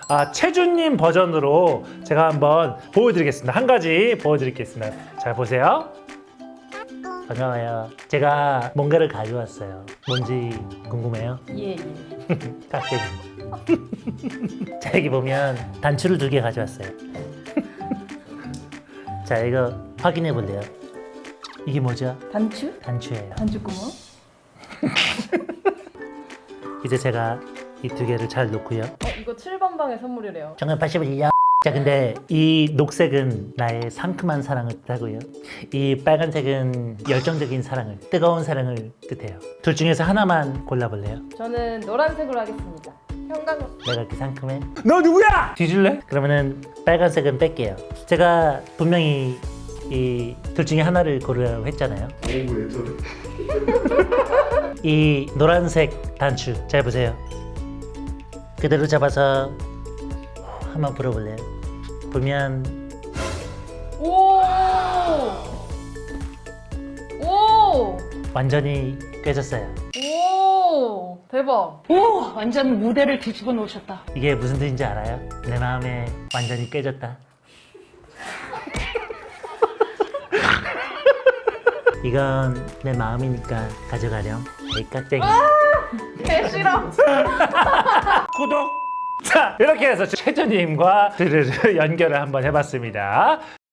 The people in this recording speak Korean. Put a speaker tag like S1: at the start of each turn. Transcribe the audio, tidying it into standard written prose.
S1: 채준님 버전으로 제가 한번 보여드리겠습니다. 한 가지 보여드리겠습니다. 잘 보세요. 반가워요. 제가 뭔가를 가져왔어요. 뭔지 궁금해요?
S2: 예.
S1: 깍쟁이. 자, 여기 보면 단추를 2개 가져왔어요. 자, 이거 확인해 볼래요? 이게 뭐죠?
S2: 단추?
S1: 단추예요.
S2: 단추구멍?
S1: 이제 제가 이 2개를 잘 놓고요.
S2: 이거 7번 방의 선물이래요.
S1: 정말 81년. 자, 근데 이 녹색은 나의 상큼한 사랑을 뜻하고요. 이 빨간색은 열정적인 사랑을, 뜨거운 사랑을 뜻해요. 둘 중에서 하나만 골라볼래요?
S2: 저는 노란색으로 하겠습니다. 형광.
S1: 내가 그렇게 상큼해? 너 누구야? 뒤질래? 그러면은 빨간색은 뺄게요. 제가 분명히 이 둘 중에 하나를 고르라고 했잖아요.
S3: 오왜 저래?
S1: 이 노란색 단추 잘 보세요. 그대로 잡아서 한번 불어볼래요? 보면
S2: 오! 오!
S1: 완전히 깨졌어요.
S2: 오! 대박.
S4: 오, 완전 무대를 뒤집어 놓으셨다.
S1: 이게 무슨 뜻인지 알아요? 내 마음에 완전히 깨졌다. 이건 내 마음이니까 가져가렴. 이 깍쟁이.
S2: 개 싫어.
S1: 구독! 자, 이렇게 해서 최준님과 드르르 연결을 한번 해봤습니다.